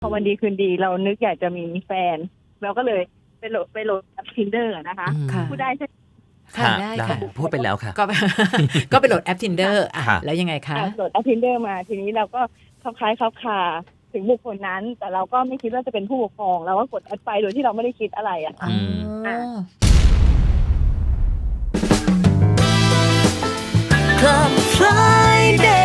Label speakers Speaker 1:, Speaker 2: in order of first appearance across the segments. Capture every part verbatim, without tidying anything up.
Speaker 1: พอวันดีคืนดีเรานึกอยากจะมีแฟนเราก็เลยไปโหลดไปโหลดแอป Tinder นะคะ
Speaker 2: อืม
Speaker 3: ค่ะ
Speaker 1: พูดได้ใช่ไหม
Speaker 3: ค่ะ
Speaker 2: ค่ะ
Speaker 3: ได้
Speaker 2: ได้
Speaker 3: ค่ะ
Speaker 2: พูดไปแล้วค่ะ
Speaker 3: ก็ ก็ไปโหลดแอป Tinder อ่ะ
Speaker 2: ค่ะ
Speaker 3: แล้วยังไงคะ
Speaker 1: อ่ะโหลดแอป Tinder มาทีนี้เราก็คล้ายๆคลับคาถึงบุคคลนั้น แต่เราก็ไม่คิดว่าจะเป็นผู้ปกครองเราก็กดแอดไปโดยที่เราไม่ได้คิดอะไรอะค่ะ
Speaker 2: อืม
Speaker 3: อ๋อ
Speaker 2: Club Friday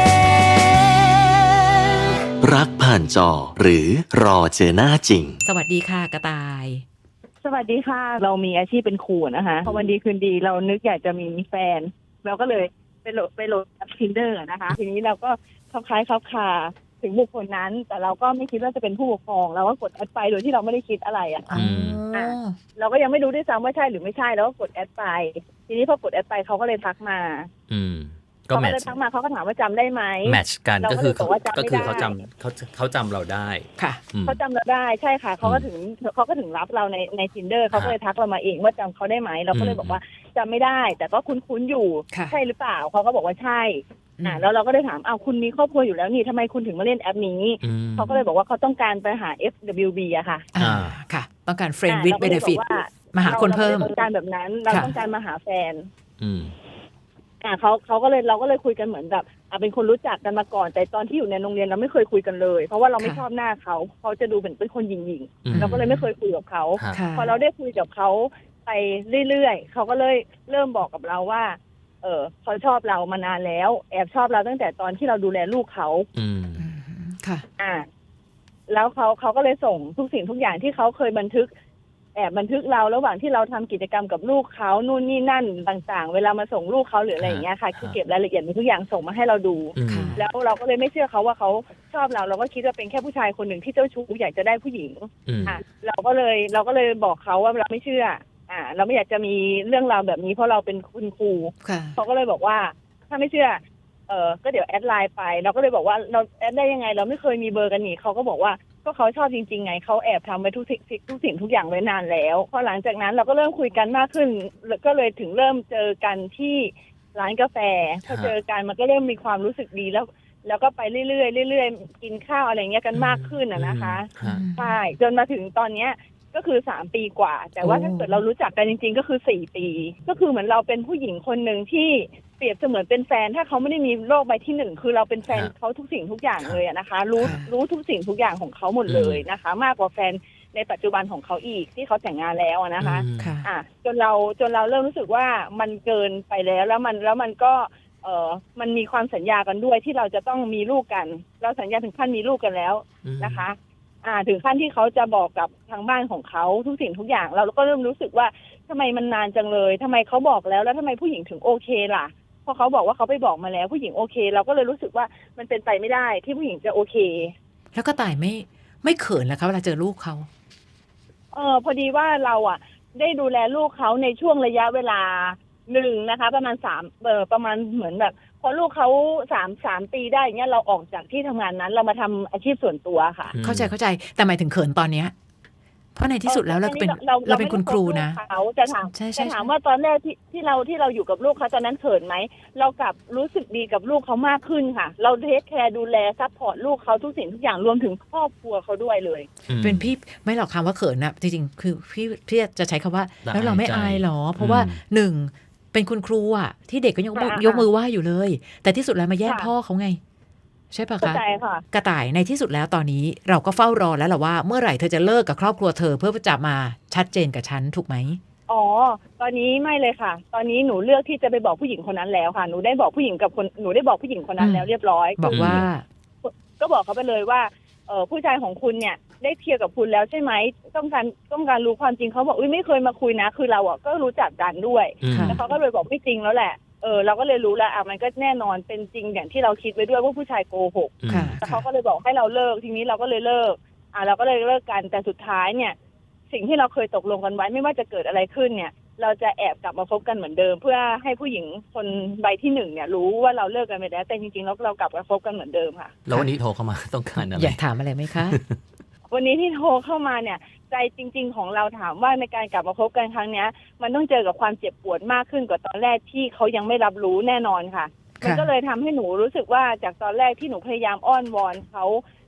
Speaker 4: รักผ่านจอหรือรอเจอหน้าจริง
Speaker 3: สวัสดีค่ะกระต่าย
Speaker 1: สวัสดีค่ะเรามีอาชีพเป็นครูนะคะพอวันดีคืนดีเรานึกอยากจะมีแฟนเราก็เลยไปโหลดไปโหลดแอป Tinder นะคะ ทีนี้เราก็คล้ายๆคลับคาถึงบุคคลนั้น แต่เราก็ไม่คิดว่าจะเป็นผู้ปกครองเราก็กดแอดไปโดยที่เราไม่ได้คิดอะไรอะค่ะ
Speaker 2: อืม
Speaker 3: อ๋อ
Speaker 1: เราก็ยังไม่รู้ด้วยซ้ำว่าใช่หรือไม่ใช่แล้วก็กดแอดไปทีนี้พอกดแอดไปเขาก็เลยทักมา
Speaker 2: อืมก็
Speaker 1: เขา
Speaker 2: แม
Speaker 1: ก็
Speaker 2: ท
Speaker 1: เลยทักมาเขาก็ถามว่าจำได้ไหม
Speaker 2: แมทช์กัน
Speaker 1: เราก็
Speaker 2: ก็คือ
Speaker 1: เลยบอกว่าจำไม่
Speaker 2: ก็คือ
Speaker 1: ได้
Speaker 2: เขาจำเขาเขาจำเราได้
Speaker 3: ค่ะ
Speaker 2: อืม
Speaker 1: เขาจำเราได้ใช่ค่ะเขาก็ถึงเขาก็ถึงรับเราในใน Tinder เขาก็เลยทักเรามาเองว่าจำเขาได้ไหมเราก็เลยบอกว่าจำไม่ได้ แต่ก็คุ้นๆอยู่
Speaker 3: ค่ะ
Speaker 1: ใช่หรือเปล่าเขาก็บอกว่าใช่อ่า
Speaker 3: อืม
Speaker 1: แล้วเราก็เลยถามอ้าวคุณมีครอบครัวอยู่แล้วนี่ทำไมคุณถึงมาเล่นแอปนี้
Speaker 2: อืม
Speaker 1: เขาก็เลยบอกว่าเขาต้องการไปหา เอฟ ดับเบิลยู บี อะค่ะ
Speaker 3: อ่า
Speaker 2: อ่า
Speaker 3: ค่ะ ต้องการ friend
Speaker 1: อ่า
Speaker 3: with
Speaker 1: เราก็เลยบอก
Speaker 3: benefit
Speaker 1: ว่า
Speaker 3: มาหาคนเพิ่ม
Speaker 1: ราไม่ได้ต้องการแบบนั้นเรา
Speaker 3: ค่ะ
Speaker 1: ต้องการมาหาแฟน
Speaker 2: อืม
Speaker 1: อ่าเขาเขาก็เลยเราก็เลยคุยกันเหมือนแบบอ่าเป็นคนรู้จักกันมาก่อน แต่ตอนที่อยู่ในโรงเรียนเราไม่เคยคุยกันเลย เพราะว่าเราไม่ชอบหน้าเขาเขาจะดูเหมือนเป็นคนหยิ่ง
Speaker 2: อืม
Speaker 1: ๆเราก็เลยไม่เคยคุยกับเขา
Speaker 2: ค่ะ
Speaker 3: ค่ะ
Speaker 1: พอเราได้คุยกับเขาไปเรื่อยๆเขาก็เลยเริ่มบอกกับเราว่า เออเขาชอบเรามานานแล้ว แอบชอบเราตั้งแต่ตอนที่เราดูแลลูกเขา
Speaker 2: อืม
Speaker 3: อืมค่ะ
Speaker 1: อ่า แล้วเขาเขาก็เลยส่งทุกสิ่งทุกอย่างที่เขาเคยบันทึก แอบบันทึกเราระหว่างที่เราทำกิจกรรมกับลูกเขานู่นนี่นั่นต่างๆ เวลามาส่งลูกเขาหรืออะไรอย่างเงี้ยค่ะ
Speaker 2: ฮะ
Speaker 1: คือเก็บรายละเอียดมีทุกอย่างส่งมาให้เราดู
Speaker 2: อืม
Speaker 3: ค่ะ
Speaker 1: แล้วเราก็เลยไม่เชื่อเขาว่าเขาชอบเรา เราก็คิดว่าเป็นแค่ผู้ชายคนหนึ่งที่เจ้าชู้อยากจะได้ผู้หญิง
Speaker 2: อืม
Speaker 1: อ่ะเราก็เลยเราก็เลยบอกเขาว่าเราไม่เชื่อ อ่า เราไม่อยากจะมีเรื่องราวแบบนี้เพราะเราเป็นคุณครู
Speaker 3: ค่ะ
Speaker 1: เขาก็เลยบอกว่า ถ้าไม่เชื่อ เออก็เดี๋ยวแอดไลน์ไป เราก็เลยบอกว่าเราแอดได้ยังไง เราไม่เคยมีเบอร์กันนี่เขาก็บอกว่าก็เขาชอบจริงๆไงเขาแอบทำไปทุกสิ่งทุกสิ่งทุกอย่างไว้นานแล้วพอหลังจากนั้นเราก็เริ่มคุยกันมากขึ้นก็เลยถึงเริ่มเจอกันที่ร้านกาแฟพอเจอกันมันก็เริ่มมีความรู้สึกดีแล้ว แล้วก็ไปเรื่อยๆเรื่อยๆกินข้าวอะไรเงี้ยกันมากขึ้นอะนะคะ
Speaker 2: ฮะ
Speaker 1: ใช่จนมาถึงตอนเนี้ยก็คือสามปีกว่า แต่ว่า
Speaker 3: โอ้
Speaker 1: ถ้าเกิดเรารู้จักกันจริงๆ ก็คือสี่ปี ก็คือเหมือนเราเป็นผู้หญิงคนหนึ่งที่เปรียบเสมือนเป็นแฟน ถ้าเขาไม่ได้มีโลกใบที่หนึ่งคือเราเป็นแฟน
Speaker 2: ครับ
Speaker 1: เขาทุกสิ่งทุกอย่างเลยอะนะคะ รู้
Speaker 3: ค่ะ
Speaker 1: รู้ทุกสิ่งทุกอย่างของเขาหมดเลยนะคะ มากกว่าแฟนในปัจจุบันของเขาอีกที่เขาแต่งงานแล้วอะนะคะ
Speaker 2: อืม
Speaker 3: ค่ะ
Speaker 1: อ่ะจนเราจนเราเริ่มรู้สึกว่ามันเกินไปแล้วแล้วมันแล้วมันก็เออมันมีความสัญญากันด้วยที่เราจะต้องมีลูกกัน เราสัญญาถึงขั้นมีลูกกันแล้ว
Speaker 2: อืม
Speaker 1: นะคะ อ่า ถึงขั้นที่เขาจะบอกกับทางบ้านของเขาทุกสิ่งทุกอย่าง เราก็เริ่มรู้สึกว่าทำไมมันนานจังเลยทำไมเขาบอกแล้วแล้วทำไมผู้หญิงถึงโอเคล่ะพอเขาบอกว่าเขาไปบอกมาแล้วผู้หญิงโอเค เราก็เลยรู้สึกว่ามันเป็นไปไม่ได้ที่ผู้หญิงจะโอเค
Speaker 3: แล้วก็ต่ายไม่ไม่เขินแล้วคะเวลาเจอลูกเขา
Speaker 1: เออพอดีว่าเราอ่ะ ได้ดูแลลูกเขาในช่วงระยะเวลาหนึ่งนะคะ ประมาณสามเออประมาณเหมือนแบบ พอลูกเขาสามสามปีได้เงี้ยเราออกจากที่ทำงานนั้น เรามาทำอาชีพส่วนตัวค่ะ
Speaker 2: อืม
Speaker 3: เข้าใจเข้าใจแต่หมายถึงเขินตอนเนี้ยเพราะในที่สุดแล้วเราก็เป็น
Speaker 1: เรา
Speaker 3: เราเป็นคุณครูนะ
Speaker 1: ไม่ได้คบลูกเขาจะถาม
Speaker 3: ใช่ใช่
Speaker 1: จะถาม
Speaker 3: ใช่
Speaker 1: ว่าตอนแรกที่ที่เราที่เราอยู่กับลูกเขาตอนนั้นเขินไหมเรากลับรู้สึกดีกับลูกเขามากขึ้นค่ะ เราเทคแคร์ดูแลซัพพอร์ตลูกเขาทุกสิ่งทุกอย่างรวมถึงครอบครัวเขาด้วยเลย
Speaker 2: อืม
Speaker 3: เป็นพี่ไม่หรอกคำว่าเขินนะจริงๆคือพี่พี่จะใช้คำว่า
Speaker 2: ละ
Speaker 3: แล้วเราไม่
Speaker 2: อายใจ
Speaker 3: อายหรอ เพราะว่า
Speaker 2: อืม
Speaker 3: หนึ่งเป็นคุณครูอะที่เด็กก็ยกมือ
Speaker 1: อ่า
Speaker 3: ยกมือไหว้อยู่เลย แต่ที่สุดแล้วมาแย่ง
Speaker 1: ค่ะ
Speaker 3: พ่อเขาไง ใช่ปะ
Speaker 1: เข้า
Speaker 3: คะ
Speaker 1: ใจค่ะ
Speaker 3: กระต่ายในที่สุดแล้วตอนนี้เราก็เฝ้ารอแล้วแหละว่าเมื่อไหร่เธอจะเลิกกับครอบครัวเธอเพื่อจะมาชัดเจนกับฉันถูกไหม
Speaker 1: อ๋อ ตอนนี้ไม่เลยค่ะ ตอนนี้หนูเลือกที่จะไปบอกผู้หญิงคนนั้นแล้วค่ะ หนูได้บอกผู้หญิงกับคนหนูได้บอกผู้หญิงคนนั้น
Speaker 3: อืม
Speaker 1: แล้วเรียบร้อย
Speaker 3: บอกว่า
Speaker 1: ก็บอกเขาไปเลยว่าเออผู้ชายของคุณเนี่ยได้เคลียร์กับคุณแล้วใช่ไหมต้องการต้องการรู้ความจริงเขาบอกอุ้ยไม่เคยมาคุยนะ คือเราอ่ะก็รู้จักกันด้วย
Speaker 2: อืม
Speaker 3: ค่ะ
Speaker 1: แล้วเขาก็เลยบอกไม่จริงแล้วแหละ เออเราก็เลยรู้แล้วอ่ะมันก็แน่นอนเป็นจริงอย่างที่เราคิดไว้ด้วยว่าผู้ชายโกหก
Speaker 3: ค่ะ
Speaker 1: แล้วเขาก็เลยบอกให้เราเลิกทีนี้เราก็เลยเลิก อ่าเราก็เลยเลิกกันแต่สุดท้ายเนี่ย สิ่งที่เราเคยตกลงกันไว้ไม่ว่าจะเกิดอะไรขึ้นเนี่ย เราจะแอบกลับมาคบกันเหมือนเดิม เพื่อให้ผู้หญิงคนใบที่หนึ่งเนี่ยรู้ว่าเราเลิกกันไปแล้วแต่จริงๆแล้วเรากลับมาคบกันเหมือนเดิมค่ะ
Speaker 2: แล้ววันนี้โทรเข้ามาต้องการอะไร
Speaker 3: อยากถามอะไรไหมคะ
Speaker 1: วันนี้ที่โทรเข้ามาเนี่ย ใจจริง ๆ ของเราถามว่าในการกลับมาคบกันครั้งเนี้ย มันต้องเจอกับความเจ็บปวดมากขึ้นกว่าตอนแรกที่เขายังไม่รับรู้แน่นอนค่ะ มันก็เลยทำให้หนูรู้สึกว่าจากตอนแรกที่หนูพยายามอ้อนวอนเขาท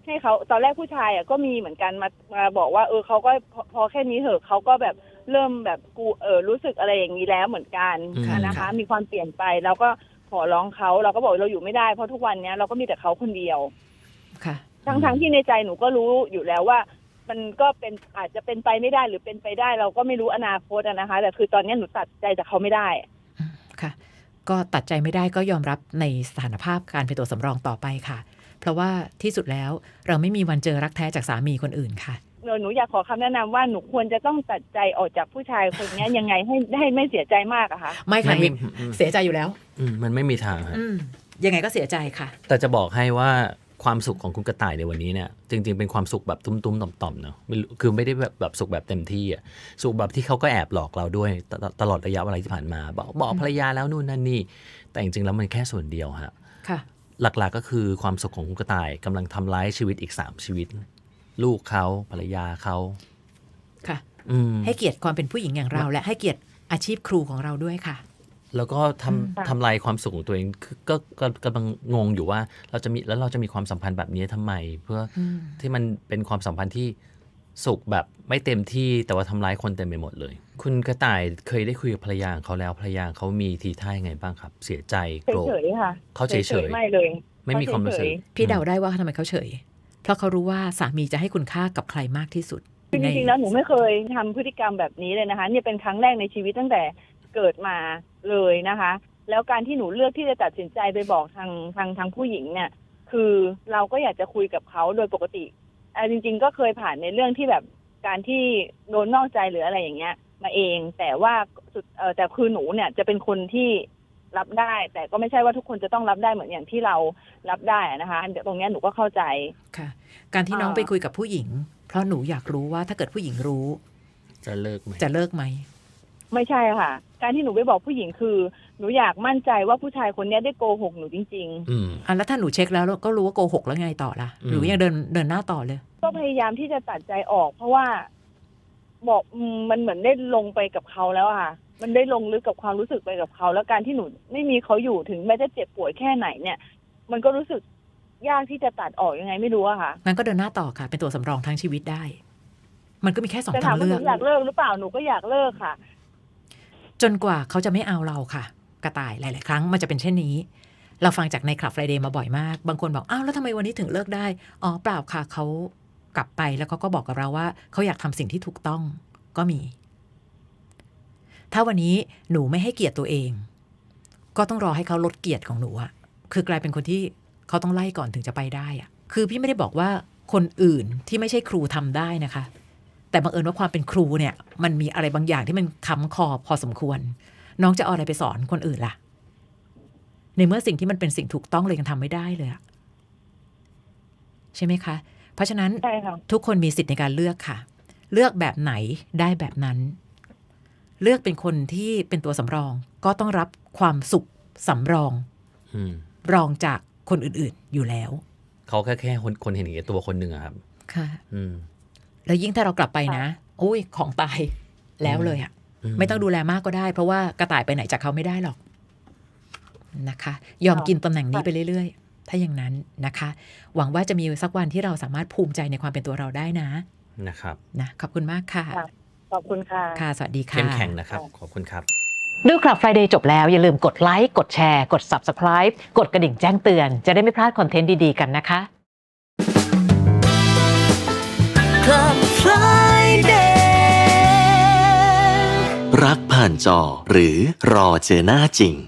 Speaker 1: ให้เขาตอนแรกผู้ชายอ่ะก็มีเหมือนกันมามาบอกว่าเออเขาก็พอพอแค่นี้เถอะเขาก็แบบเริ่มแบบกูเออรู้สึกอะไรอย่างนี้แล้วเหมือนกัน
Speaker 2: อืม
Speaker 1: นะคะ มีความเปลี่ยนไปเราก็ขอร้องเขาเราก็บอกเราอยู่ไม่ได้เพราะทุกวันเนี้ยเราก็มีแต่เขาคนเดียว
Speaker 3: ค่ะ
Speaker 1: ทั้งทั้งที่ในใจหนูก็รู้อยู่แล้วว่า มันก็เป็นอาจจะเป็นไปไม่ได้หรือเป็นไปได้ เราก็ไม่รู้อนาคตอะนะคะ แต่คือตอนนี้หนูตัดใจจากเขาไม่ได้
Speaker 3: อืมค่ะ ก็ตัดใจไม่ได้ก็ยอมรับในสถานภาพการเป็นตัวสำรองต่อไปค่ะ เพราะว่าที่สุดแล้วเราไม่มีวันเจอรักแท้จากสามีคนอื่นค่ะ
Speaker 1: หนูหนูอยากขอคำแนะนำว่าหนูควรจะต้องตัดใจออกจากผู้ชายคนนี้ยังไงให้ให้ไม่เสียใจมากอะคะ
Speaker 3: ไม่ค่ะ
Speaker 2: ไม่
Speaker 3: มิก
Speaker 2: อืม
Speaker 3: เสียใจอยู่แล้ว
Speaker 2: อืมมันไม่มีทางฮะ
Speaker 3: อืมยังไงก็เสียใจค่ะ
Speaker 2: แต่จะบอกให้ว่าความสุขของคุณกระต่ายในวันนี้เนี่ยจริงๆเป็นความสุขแบบตุ้มๆต่อมๆเนาะไม่รู้คือไม่ได้แบบแบบสุขแบบเต็มที่อ่ะสุขแบบที่เขาก็แอบหลอกเราด้วยตตตลอดระยะเวลาที่ผ่านมาบอกบอกภรรยาแล้วนู่นนั่นนี่แต่จริงๆแล้วมันแค่ส่วนเดียวฮะ
Speaker 3: ค่ะ
Speaker 2: หลักๆก็คือความสุขของคุณกระต่ายกำลังทำร้ายชีวิตอีกสามชีวิต ลูกเขาภรรยาเขา
Speaker 3: ค่ะ
Speaker 2: อืม
Speaker 3: ให้เกียรติความเป็นผู้หญิงอย่างเรา และให้เกียรติอาชีพครูของเราด้วยค่ะ
Speaker 2: แล้วก็ทำทำลายความสุขของตัวเองคือก็ก็กำลังงงอยู่ว่าเราจะมีแล้วเราจะมีความสัมพันธ์แบบนี้ทำไม เพื่ออ
Speaker 3: ม
Speaker 2: ที่มันเป็นความสัมพันธ์ที่สุขแบบไม่เต็มที่แต่ว่าทำร้ายคนเต็มไปหมดเลย คุณกระต่ายเคยได้คุยกับภรรยาของเขาแล้วภรรยาเขามีทีท่ายังไงบ้างครับ เสียใจโกรธ
Speaker 1: เฉยๆค่ะ
Speaker 2: เขาเฉยๆ
Speaker 1: ไม่เลย
Speaker 2: ไม่มีความรู้สึก
Speaker 1: เฉย
Speaker 3: พี่เดาได้ว่าทำไมเขาเฉย เพราะเขารู้ว่าสามีจะให้คุณค่ากับใครมากที่สุด
Speaker 1: ๆคือจริงๆแล้วหนูไม่เคยทำพฤติกรรมแบบนี้เลยนะคะเนี่ยเป็นครั้งแรกในชีวิตตั้งแต่เกิดมาเลยนะคะ แล้วการที่หนูเลือกที่จะตัดสินใจไปบอกทางทางทางผู้หญิงเนี่ย คือเราก็อยากจะคุยกับเขาโดยปกติอ่าจริง ๆ ก็เคยผ่านในเรื่องที่แบบการที่โดนนอกใจหรืออะไรอย่างเงี้ย มาเอง แต่ว่าสุดเออแต่คือหนูเนี่ยจะเป็นคนที่รับได้ แต่ก็ไม่ใช่ว่าทุกคนจะต้องรับได้เหมือนอย่างที่เรารับได้นะคะตรงเนี้ยหนูก็เข้าใจ
Speaker 3: ค่ะ การที่น้อง
Speaker 1: อ่า
Speaker 3: ไปคุยกับผู้หญิง เพราะหนูอยากรู้ว่าถ้าเกิดผู้หญิงรู้
Speaker 2: จะเลิกไหม
Speaker 3: จะเลิกไหม
Speaker 1: ไม่ใช่ค่ะ การที่หนูไปบอกผู้หญิงคือ หนูอยากมั่นใจว่าผู้ชายคนเนี้ยได้โกหกหนูจริง
Speaker 2: อืม
Speaker 3: อ่ะแล้วถ้าหนูเช็คแล้วก็รู้ว่าโกหกแล้วไงต่อล่ะ
Speaker 2: อืม
Speaker 3: หรือยังเดินเดินหน้าต่อเลย
Speaker 1: ๆ ก็พยายามที่จะตัดใจออก เพราะว่าบอกอืมมันเหมือนได้ลงไปกับเขาแล้วอะค่ะ มันได้ลงลึกกับความรู้สึกไปกับเขา แล้วการที่หนูไม่มีเขาอยู่ถึงแม้จะเจ็บป่วยแค่ไหนเนี่ย มันก็รู้สึกยากที่จะตัดออกยังไงไม่รู้อะค่ะ
Speaker 3: งั้นก็เดินหน้าต่อค่ะ เป็นตัวสำรองทั้งชีวิตได้ มันก็มีแค่สอง
Speaker 1: แต่
Speaker 3: ทา
Speaker 1: ถาม
Speaker 3: ง
Speaker 1: ว่า
Speaker 3: เลื
Speaker 1: ห
Speaker 3: อ
Speaker 1: นู
Speaker 3: ก
Speaker 1: อยากเลิกหรือเปล่าหนูก็อยากเลิกค่ะ
Speaker 3: จนกว่าเขาจะไม่เอาเราค่ะ กระต่ายหลาย ๆ ครั้งมันจะเป็นเช่นนี้ เราฟังจากในคลับ Friday มาบ่อยมาก บางคนบอกอ้าวแล้วทำไมวันนี้ถึงเลิกได้อ๋อเปล่าค่ะเขากลับไปแล้วเขาก็บอกกับเราว่าเขาอยากทำสิ่งที่ถูกต้องก็มี ถ้าวันนี้หนูไม่ให้เกียรติตัวเอง ก็ต้องรอให้เขาลดเกียรติของหนูอะคือกลายเป็นคนที่เขาต้องไล่ก่อนถึงจะไปได้อะคือพี่ไม่ได้บอกว่าคนอื่นที่ไม่ใช่ครูทำได้นะคะ แต่บังเอิญว่าความเป็นครูเนี่ย มันมีอะไรบางอย่างที่มันค้ำคอพอสมควร น้องจะเอาอะไรไปสอนคนอื่นล่ะ ในเมื่อสิ่งที่มันเป็นสิ่งถูกต้องเลยยังทำไม่ได้เลยอะใช่ไหมคะ เพราะฉะนั้น
Speaker 1: ใช่ค่ะ
Speaker 3: ทุกคนมีสิทธิ์ในการเลือกค่ะ เลือกแบบไหนได้แบบนั้น เลือกเป็นคนที่เป็นตัวสำรอง ก็ต้องรับความสุขสำรอง
Speaker 2: อืม
Speaker 3: รองจากคนอื่นๆอยู่แล้ว
Speaker 2: เขาแค่แค่คนคนเห็นแก่ตัวคนหนึ่งอะครับ
Speaker 3: ค่ะ
Speaker 2: อืม
Speaker 3: แล้วยิ่งถ้าเรากลับไปนะโอ้ยของตายแล้วเลยอะ
Speaker 2: อืม
Speaker 3: ไม่ต้องดูแลมากก็ได้ เพราะว่ากระต่ายไปไหนจากเขาไม่ได้หรอกนะคะ ยอมกินตำแหน่งนี้ไปเรื่อยๆ ถ้าอย่างนั้นนะคะ หวังว่าจะมีสักวันที่เราสามารถภูมิใจในความเป็นตัวเราได้นะ
Speaker 2: นะครับ
Speaker 3: นะขอบคุณมากค่ะ
Speaker 1: ค่ะ ขอบคุณค่ะ
Speaker 3: ค่ะสวัสดีค่ะ
Speaker 2: เข้มแข็งนะครับ ขอบคุณครับ
Speaker 3: ดูคลับ Friday จบแล้วอย่าลืมกดไลค์กดแชร์กด Subscribe กดกระดิ่งแจ้งเตือนจะได้ไม่พลาดคอนเทนต์ดีๆกันนะคะ
Speaker 2: Club Friday
Speaker 4: รักผ่านจอหรือรอเจอหน้าจริง